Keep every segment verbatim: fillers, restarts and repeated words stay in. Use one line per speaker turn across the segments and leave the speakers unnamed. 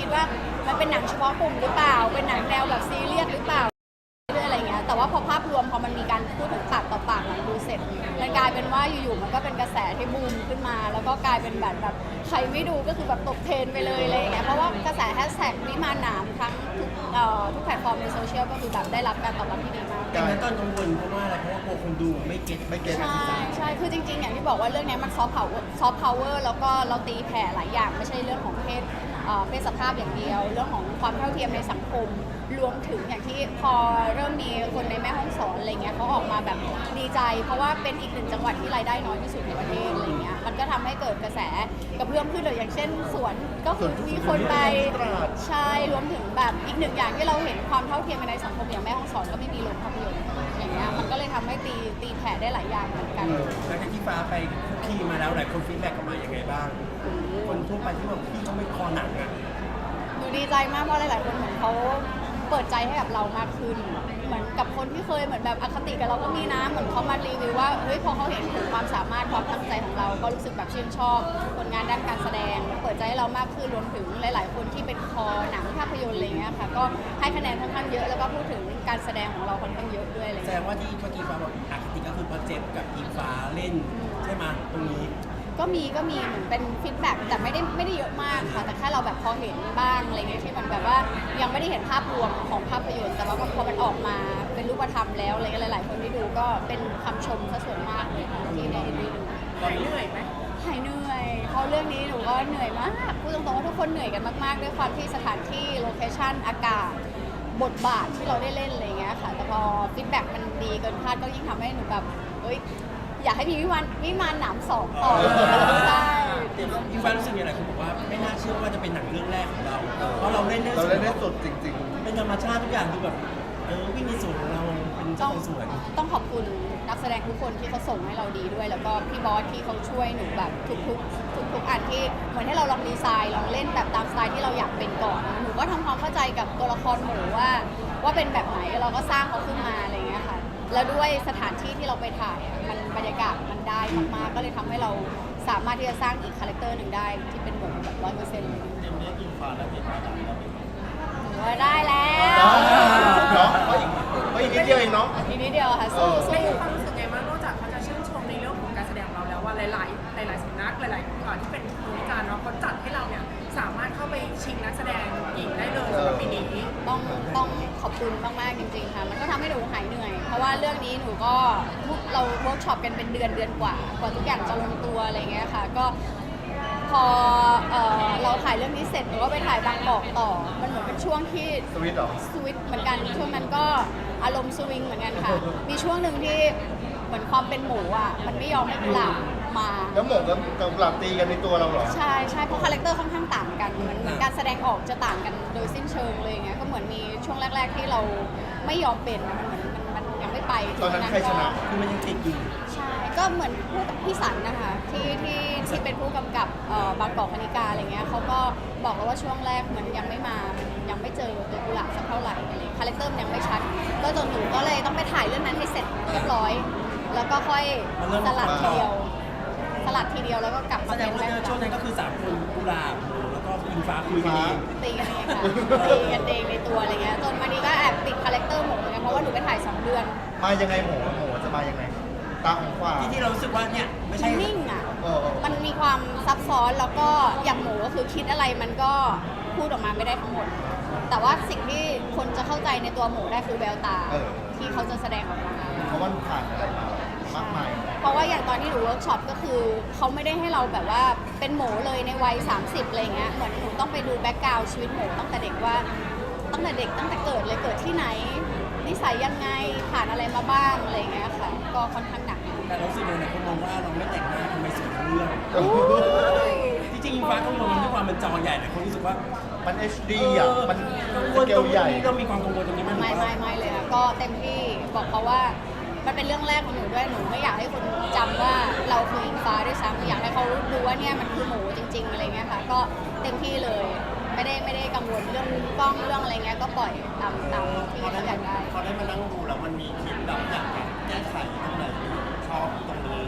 ว่ามันเป็นหนังเฉพาะกลุ่มหรือเปล่าเป็นหนังแนวแบบซีเรียสหรือเปล่าเรื่องอะไรเงี้ยแต่ว่าพอภาพรวมพอมันมีการพูดถึงปากต่อปากหลังดูเสร็จมันกลายเป็นว่าอยู่ๆมันก็เป็นกระแสที่บูมขึ้นมาแล้วก็กลายเป็นแบบแบบใครไม่ดูก็คือแบบตกเทรนไปเลยอะไรอย่างเงี้ยเพราะว่ากระแสแฮชแท็กวิมานหนามทั้งทุกเอ่อทุกแพลตฟอร์มในโซเชียลก็คือแบบได้รับการตอบรับที่ดีมาก
แต่ในตอนกังวลเพราะว่าอะไรเพราะว่ากลัวคนดูไม่เก็ตไม่เก็ต
ใช่ใช่คือจริงๆอย่างที่บอกว่าเรื่องนี้มันซอฟต์พาวเวอร์ซอฟต์พาวเวอร์แล้วก็เราตีแผ่หลายอย่างไม่ใช่เรื่องของเพศเอ่อเพศสภาพอย่างเดียว เรื่องของความเท่าเทียมในสังคมรวมถึงอย่างที่พอเริ่มมีคนในแม่ห้องสอนอะไรเงี้ยเขาออกมาแบบดีใจ เพราะว่าเป็นอีกหนึ่งจังหวัดที่รายได้น้อยที่สุดในประเทศอะไรเงี้ยมันก็ทำให้เกิดกระแสกระเพื่อมขึ้นเลยอย่างเช่นสวนก็คือมีคนไปใช่รวมถึงแบบอีกหนึ่งอย่างที่เราเห็นความเท่าเทียมในสังคมอย่างแม่ห้องสอนก็ไม่มีโรงภาพยนตร์อย่างเงี้ยมันก็เลยทำให้ตีตีแผ่ได้หลายอย่างเหมือนกัน
หลังจากที่ฟ้าไปคุกคีมาแล้วหลายคนฟีดแบ็กกลับมาอย่างไงบ้างคนทั่วไปที่บอกพี่เขาไม่คอหนังอ่ะ
หนูดีใจมากเพราะหลายๆคนเหมือนเขาเปิดใจให้กับเรามากขึ้น เหมือนกับคนที่เคยเหมือนแบบอคติกับเราก็มีนะเหมือนเขามารีวิวว่าเฮ้ยพอเขาเห็นถึงความสามารถความตั้งใจของเราก็รู้สึกแบบชื่นชอบผลงานด้านการแสดงเปิดใจให้เรามากขึ้นรวมถึงหลาย ๆ คนที่เป็นคอหนังภาพยนตร์อะไรเงี้ยค่ะก็ให้คะแนนค่อนข้างเยอะแล้วก็พูดถึงการแสดงของเราค่อนข้างเยอะด้วยอะไร
แส
เงี้
ด
ย
งว่าที่เมื่อกี้ฟ้าบอกอคติก็คือโปรเจกต์กับอีฟ้าเล่นใช่ไหมตรงนี้
ก็มีก็มีเหมือนเป็นฟีดแบ็กแต่ไม่ได้ไม่ได้เยอะมากค่ะแต่แค่เราแบบพอเห็นบ้างอะไรเงี้ยที่มันแบบว่ายังไม่ได้เห็นภาพรวมของภาพยนตร์แต่ว่าพอมันออกมาเป็นรูปธรรมแล้วอะไรเงี้ยหลายๆคนที่ดูก็เป็นคำชมซะส่วนมากเลยค่ะที่ได้ได้ดู
หายเหนื่อยไหม
หายเหนื่อยเพราะเรื่องนี้หนูก็เหนื่อยมากพูดตรงๆว่าทุกคนเหนื่อยกันมากๆด้วยความที่สถานที่โลเคชั่นอากาศบทบาทที่เราได้เล่นอะไรเงี้ยค่ะแต่พอฟีดแบ็กมันดีเกินคาดก็ยิ่งทำให้หนูแบบเอ้ยอยากให้มีวิมานวิมานหนามสองต่อใช่
อีฟ้ารู้สึกยังไงคุณบอกว่าไม่น่าเชื่อว่าจะเป็นหนังเรื่องแรกของเราเพราะเราเล่นได้
เราเล่นได้สุดจริง
เป็นธรรมชาติทุกอย่างดูแบบเออวิ่งในสวนของเราเป็น
ต้
เจ้า
อง
ของสวน
ต้องขอบคุณนักแสดงทุกคนที่เขาส่งให้เราดีด้วย แล้วก็พี่บอสที่เขาช่วยหนูแบบทุกๆทุกๆอันที่เหมือนให้เราลองดีไซน์ลองเล่นแบบตามสไตล์ที่เราอยากเป็นก่อนหนูก็ทำความเข้าใจกับตัวละครหมูว่าว่าเป็นแบบไหนเราก็สร้างเขาขึ้นมาอะไรอย่างเงี้ยค่ะแล้วด้วยสถานที่ที่เราไปถ่ายอะมันบรรยากาศมันได้มากๆก็เลยทำให้เราสามารถที่จะสร้างอีกคาแรคเตอร์หนึ่งได้ที่เป็นหมูแบบร้อยเปอร์เซ็นต์เลย
ๆเต็มเนี้ยอิงฟ้าแล้วเห็นว่าหนังเราเป็น
หนูว่าได้แล้ว
เนาะก็อีกก็อีกนิดเดียวเองเนาะ
ทีนี้เดียวค่ะสู้
ได้
สู้
มีความรู้สึกไงบ้างนอกจากเขาจะชื่นชมในเรื่องของการแสดงของเราแล้วว่าหลาย ๆ หลาย ๆสำนักหลายๆอ่าที่เป็นผู้วิจารณ์เนาะเขาจัดให้เราเนี่ยสามารถเข้าไปชิงนักแสดงหญิงได้เลยสำหรับปีนี้
ต้องต้องขอบคุณมากๆจริงๆค่ะมันก็ทำให้หนูหายเหนื่อย เพราะว่าเรื่องนี้หนูก็เราเวิร์กช็อปกันเป็นเดือนเดือนกว่ากว่าทุกอย่างจะลงตัวอะไรเงี้ยค่ะก็พอเอ่อเราถ่ายเรื่องนี้เสร็จหนูก็ไปถ่ายบางกอกต่อ มันเหมือนเป็นช่วงที่
สวิตเหรอ
สวิตช์เหมือนกันช่วงนั้นก็อารมณ์สวิงเหมือนกันค่ะ มีช่วงหนึ่งที่เหมือนความเป็นหมูอ่ะมันไม่ยอมให้กุหลาบมา
แล้วหมกกับกับหลับตีกันในตัวเราเหรอ
ใช่ใช่เพราะคาแรคเตอร์ค่อนข้างต่างกันเหมือนเหมือนการแสดงออกจะต่างกันโดยสิ้นเชิงเลยอย่างเงี้ยก็เหมือนมีช่วงแรก ๆ ที่เราไม่ยอมเป็นมันเหมือนมันมันยังไม่ไป
ตอนนั้นใครชนะ
ก็
คือมันยังติดอยู่
ใช่ก็เหมือนผู้กับพี่สันนะคะที่ที่ที่เป็นผู้กำกับเอ่อบางกอกคณิกาอะไรเงี้ยเขาก็บอกเราว่าช่วงแรกเหมือนยังไม่มายังไม่เจอตัวกุหลาบสักเท่าไหร่อะไรคาแรคเตอร์มันยังไม่ชัดก็จนหนูก็เลยต้องไปถ่ายเรื่องนั้นให้เสร็จเรียบร้อย แล้วก็ค่อยสลัดทีเดียว สลัดทีเดียวแล้วก็กลับ
แส
มา
ด
เป็
ง
น
ว่า
แม่
ในช่วงนั้นก็คือสามคนกุหลาบแล้วก็อิงฟ้าคุยกันเอง
ตีกันเองค่ะตีกันเองในตัวอะไรเงี้ยจนวันนี้ก็แอบติดคาแรคเตอร์หมูเหมือนกันเพราะว่าหนูไปถ่ายสองเดือน
มายังไงหมูหมูจะมายังไงตาของขวา
ที่ที่เรารู้สึกว่าเนี่ยไม่
มั
ใช่
นนิ่งอ่ะ
เออเออ
มันมีความซับซ้อนแล้วก็อย่างหมูก็คือคิดอะไรมันก็พูดออกมาไม่ได้ทั้งหมด แต่ว่าสิ่งที่คนจะเข้าใจในตัวหมูได้คือแววตา
เออ
ที่เขาจะแสดงออกมา
เพราะว่าผ่านอะไรมามากมาย
เพราะว่าอย่างตอนที่หนูเวิร์กช็อปก็คือเขาไม่ได้ให้เราแบบว่าเป็นหมูเลยในวัยสามสิบอะไรเงี้ยเหมือนหนูต้องไปดูแบ็กกราวด์ชีวิตหมูตั้งแต่เด็กว่าตั้งแต่เด็กตั้งแต่เกิดเลยเกิดที่ไหนนิสัยยังไงผ่านอะไรมาบ้างอะไรเงี้ยค่ะก็ค่อนข้างหนัก
แต่เรารู้สึกเลยคนมองว่าเราไม่แต่งหน้าทำไมสวยทั้งเรื่อง
โอ้โห
ที่จริงอิงฟ้ากังวลด้วยความมันจอใหญ่แต่คนรู้สึกว่า
มัน เอช ดี อ่ะ มัน
กังว
ส
ล
เก
ตร
ล
ง
ใหญ่
นี้เรามีความกังวลตรงนี้มัน
ไม่ไม่ไม่เลยค่ะก็เต็มที่บอกเขาว่ามันเป็นเรื่องแรกของหนูด้วยหนูไม่อยากให้คนจำว่าเราคืออิงฟ้าด้วยซ้ำอยากให้เขาดูว่าเนี่ยมันคือหมูจริง ๆอะไรเงี้ยค่ะก็เต็มที่เลยไม่ได้ไม่ได้กังวลเรื่องกล้องเรื่องอะไรเงี้ยก็ปล่อยตามตามที่เขาอยากได้
พอได้มานั่งดูแล้วมันมีคลิปแบบอยากแก้ไขตรงไหนชอบตรงนี้
จริงๆ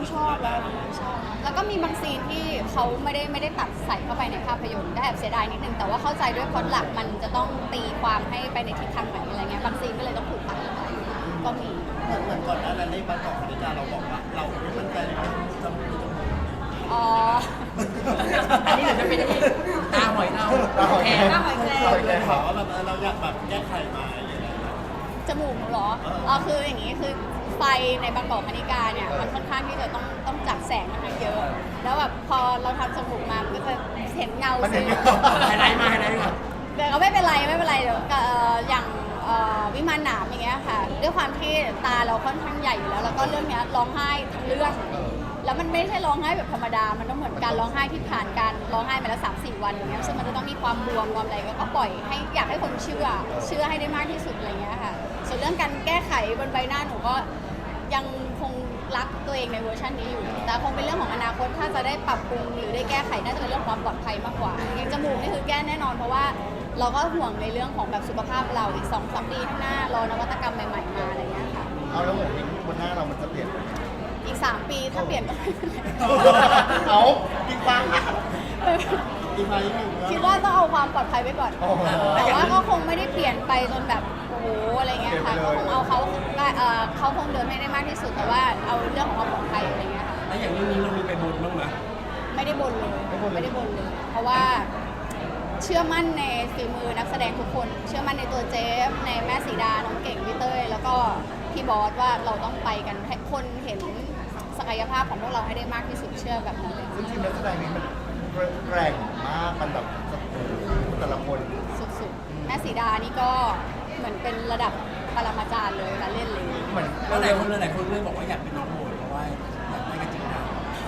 ชอบแล้วชอบแล้วก็มีบางซีนที่เขาไม่ได้ไม่ได้ตัดใส่เข้าไปในภาพยนตร์ได้แอบเสียดายนิดนึงแต่ว่าเข้าใจด้วยพล็อตหลักมันจะต้องตีความให้ไปในทิศทางไหนอะไรเงี้ยบางซีนก็เลยต้องถูกตัดออกไปก็มี
เหมือนเหมือนก่อนหน้านั้นในบางกอกคณิกาเราบอกว่าเราไม่มั่นใจเลยว่าจะมีจมูก
อ๋อ
อันนี้เดี๋ยวจะเป็นตาหอยเรา
ตาหอยแครง
ตาหอยแครง
เราเลยถามว่าแบบเราอยากแบบแก้ไขมาอย่างเงี้ย
จมูกหนูเหรออ๋อคืออย่างนี้คือไฟในบางกอกคณิกาเนี่ยมันค่อนข้างที่จะต้องต้องจับแสงค่อนข้างเยอะ แล้วแบบพอเราทำจมูกมามันก็จะเห็นเงา
มัน
สี
เห็น
ไฮไลท์มาไฮไลท์มา
แต่ก็ไม่เป็นไรไม่เป็นไรเดี๋ยวเอ่ออย่างเอ่อวิมานหนามอย่างเงี้ยค่ะด้วยความที่ตาเราค่อนข้างใหญ่อยู่แล้ว แล้วก็เรื่องเนี้ยร้องไห้ทั้งเรื่อง แล้วมันไม่ใช่ร้องไห้แบบธรรมดา มันต้องเหมือนการร้องไห้ที่ผ่านการร้องไห้มาแล้วสามสี่วันอย่างเงี้ยซึ่งมันจะต้องมีความบวมความอะไรก็ปล่อยให้อยากให้คนเชื่อ เชื่อให้ได้มากที่สุดอะไรเงี้ยค่ะ ส่วนเรื่องการแก้ไขบนใบหน้าหนูก็ยังคงรักตัวเองในเวอร์ชันนี้อยู่ แต่คงเป็นเรื่องของอนาคตถ้าจะได้ปรับปรุงหรือได้แก้ไขน่าจะเป็นเรื่องความปลอดภัยมากกว่าอย่างจมูกนี่คือแก้แน่นอนเพราะว่าเราก็ห่วงในเรื่องของแบบสุขภาพเราอีกสองสามปีข้างหน้ารอนวัตกรรมใหม่ๆมาอะไรเงี้ยค่ะ
เอาแล้วเหมือนบนหน้าเรามันจะเปลี่ยน
อีกสามปีถ้าเปลี่ยนก็ไม่เป็นไร
เอาอีกบ้างอีกไหมอีกหนึ่ง
คิดว่าต้องเอาความปลอดภัยไว้ก่อน
โอ้โห
แต่ว่าก็คงไม่ได้เปลี่ยนไปจนแบบโอ้โหอะไรเงี้ยค่ะ
เปลี่
ก็
ยนไปเลย
คงเอาเขาเอ่อเขาคงเดินไม่ได้มากที่สุดแต่ว่าเอาเรื่องของความปลอดภัยอะไรเงี้ยค่ะ
แล้วอย่างเรื่องนี้เรามีไปบนบ้างไหม
ไม่ได้บนเลยไม่ได้บนเลย เพราะว่าเชื่อมั่นในฝีมือนักแสดงทุกคน เชื่อมั่นในตัวเจฟในแม่สีดาน้องเก่งพี่เต้ยแล้วก็พี่บอสว่าเราต้องไปกันให้คนเห็นศักยภาพของพวกเราให้ได้มากที่สุดเชื่อแบบนั้นเลย
ซึ่งทีมนักแสดงนี้มันแกร่งมากมันแบบแต่ละคน
สุดๆแม่สีดานี่ก็เหมือนเป็นระดับปรมาจารย์เลยการเล่นเลย
เหมือน
แล้วหลายคนเลยหลายคนเลยบอกว่าอยากเป็นน้องโมยเพราะว่าอยากได้กันจริงจัง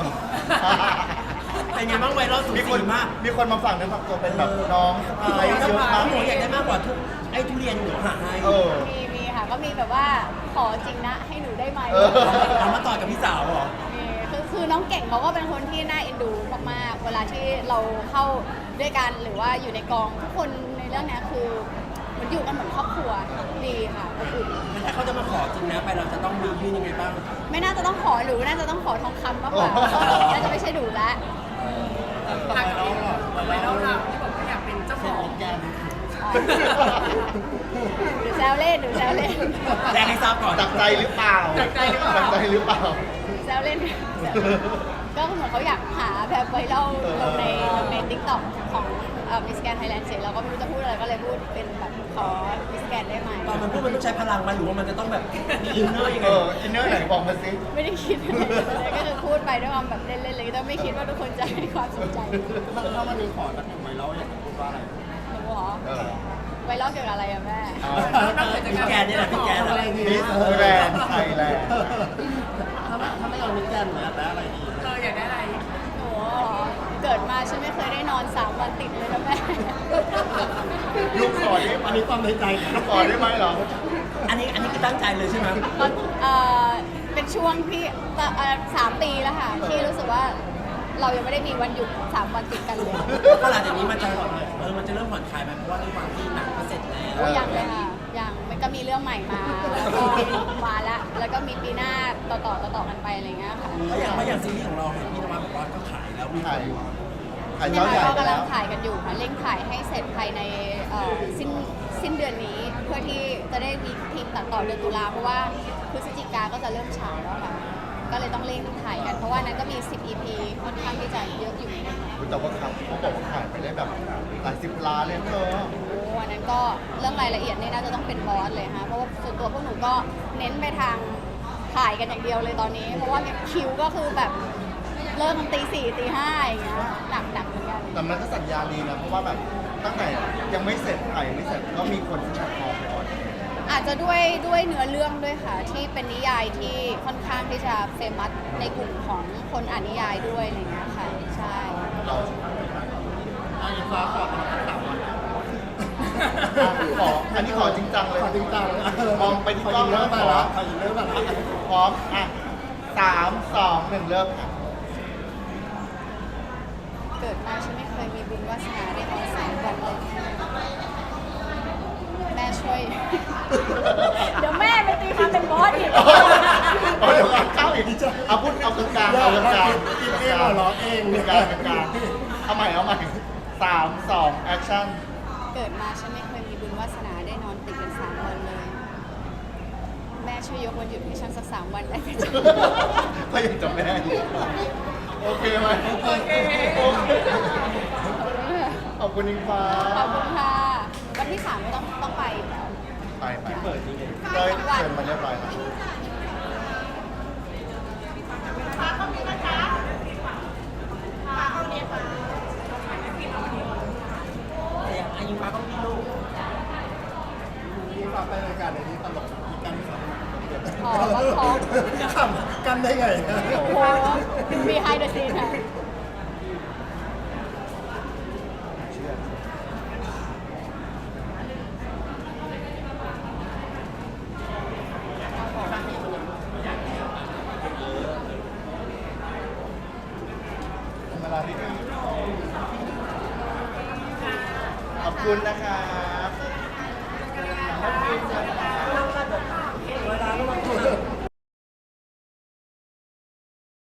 เป็นไงบ้างไวรัลสุด
มีคน
มาก
มีคนมาฝั่งนั้นฝั่งตัวเป็นแบบน้องสะ
พี่
พ้าย
อยาก
เยอะ
ได้
มาก
หนูอยากได้มากกว่าทุกไอ้ทุเรียนหนูหาให้
เออ
มีมีค่ะก็มีแบบว่าขอจริงนะให้หนูได้ไหม
เออ
เอามาต่อยกับพี่สาวเหรอ
มีคือคือน้องเก่งเขาก็เป็นคนที่น่าเอ็นดูมากๆเวลาที่เราเข้าด้วยกันหรือว่าอยู่ในกองทุกคนในเรื่องเนี้ยคือเหมันอยู่กันเหมือนครอบครัวดีค่ะอบอุ่น
ถ้าเขาจะมาขอจริงนะไปเราจะต้องมียื่นยังไงบ้าง
ไม่น่าจะต้องขอหรือน่าจะต้องขอทองคำมากกว่า
โอ้
น่าจะไม่ใช่ดูแล้ว
ทางนี้ไวรัลเราที่บอกว่าอยากเป็นเจ้าของ
อ๋อหรือแซวเล่นหรือแซวเล่น
แจ้งให้ทราบก่อน
จับใจหรือเปล่า
จับใจหรือเปล่า
จับใจหรือเปล่า
แซวเล่นก็เหมือนเขาอยากหาแบบไวรัลลงในลงในทิกตอกของมิสแกนไทยแลนด์เสร็จเราก็ไม่รู้จะพูดอะไรก็เลยพูดเป็นแบบขอมิสแกนได้ไหม
ตอนมันพูดมันต้องใช้พลังมันหรือว่ามันจะต้องแบบมีอินเนอร์ยัง
เอ
ไง
ออินเนอร์ไหนบอกมาสิ
ไม่ได้คิดอะไรเลยก็คือพูดไปด้วยความแบบเล่นๆเลยแต่ไม่คิดว่าทุกคนจะให้ความสนใจ
ถ้ามันมีขอสักหนึ่งไว้แล้วอยากพูดว่าอะไร
หนูเหรอ
เออ
ไวรัลเกี่ยวกับอะไรอะแม่
พี่แกนนี่แหละพี่แกนแหละ
มิสแกรนด์ไทยแลนด์
ถ้าไม่ถ้าไม่เอามิสแกนอยากได้อะไรดี
เอออยากได้อะไร
หนูเหรอเกิดมาฉันไม่เคยได้นอนสามวันติดเลยนะแม่
ลูกขอได้อันนี้ความในใจลูกขอได้ไหมเหรอ
อันนี้อันนี้คือตั้งใจเลยใช่ไหม
ตอนเอ่อเป็นช่วงที่เอ่อสามปีแล้วค่ะที่รู้สึกว่าเรายังไม่ได้มีวันหยุดสามวันติดกันเลย
ก็หลังจากนี้มันจะเออมันจะเริ่มผ่อนคลายไหมเพราะว่าด้วยความที่หนังก็เสร็จแล้ว
โอ้ยังเลยค่ะยังมันก็มีเรื่องใหม่มาแล้วก็มาละแล้วก็มีปีหน้าต่อต่อต่อต่อกันไปอะไรเงี้ยค่ะ
เพราะอย่างเพราะอย่างซีรีส์ของเราเห็นพี่นวัดบอกว่าก็ขายแล้วมีค
ถ่าย
น
ถ่าย
เนี่
เจ้าย ใหญ่
ค่ะก็
ไป
กำลั
แล้
ง
ว
ถ่ายกันอยู่ค่ะเร่งถ่ายให้เสร็จภายในเอ่อสิ้นสิ้นเดือนนี้เพื่อที่จะได้มีทีมตัดต่อเดือนตุลาเพราะว่าพฤศจิกาก็จะเริ่มฉายแล้วค่ะก็เลยต้องเร่งถ่ายกันเพราะว่านั้นก็มีสิบ อี พี ค่อนข้างที่จะเยอะอยู่เหมือนกัน
แต่ว่าครับเขาบอกว่าถ่ายไปได้แบบหลายสิบล้านเลยเธอ
โอ้อันนั้นก็เรื่องรายละเอียดนี่น่าจะต้องเป็นบอสเลยค่ะเพราะว่าส่วนตัวพวกหนูก็เน้นไปทางถ่ายกันอย่างเดียวเลยตอนนี้ เพราะว่าคิวก็คือแบบเริ่มตีสี่ตีห้าอย่างเงี้ยหนักหนักเหมือนกัน
แต่มันก็สัญญาณดีนะ เพราะว่าแบบตั้งแต่ยังไม่เสร็จถ่ายยังไม่เสร็จก็มีคนที่ชักคอไปก่อน
อาจจะด้วยด้วยเนื้อเรื่องด้วยค่ะ ที่เป็นนิยายที่ค่อนข้างที่จะเฟมัสในกลุ่มของคนอ่านนิยายด้วยอะไรเงี้ยค่ะใช่
เราอันนี้ฟ้าขอมาถามวันขออันนี้ขอจริงจังเลยขอจริงจังมองไปที่กล้องแล้วขอขอยิงเริ่มแบบพร้อมอ่ะสามสองหนึ่งเริ่มค่ะ
เกิดมาฉันไม่เคยมีบุญวาสนาได้ออกแสงวันเลยแม่ช่วย เดี๋ยวแม่ไปตีความเป็นบอสอีก
โอ้ยเดี๋ยวก่อนเข้าอีก
แ
เอาพูดเอากลางๆเอากลางๆ
คิดเองหัวเราะเอง
กลางๆกลางๆเอาใหม่เอาใหม่สามสองแอคชั่น
เกิดมาฉันไม่เคยมีบุญวาสนาได้นอนติดกันสามวันเลย แม่ช่วยยกวันหยุดให้ฉันสักสามวันได้ไหมจ๊ะ
ก็ยังจะแม่อยู่โอเคไหมโอเคโอเคขอบคุณอิงฟ้า
ขอบคุณค่ะ วันที่สามก็ต้องต้องไปอยู่แล้ว
ไปไป
เปิดนี่ไง
ได้เชิญมาเรียบร้อยแล้ว
อายุมาก็พี่ลูกนี่ฝากไปรายการในนี้ตลกกัน
อ๋อก็ขอ
ขำกันได้ไง
โอ้โห behind the scene ค่ะ
เวลาที่ดีขอบคุณนะคะ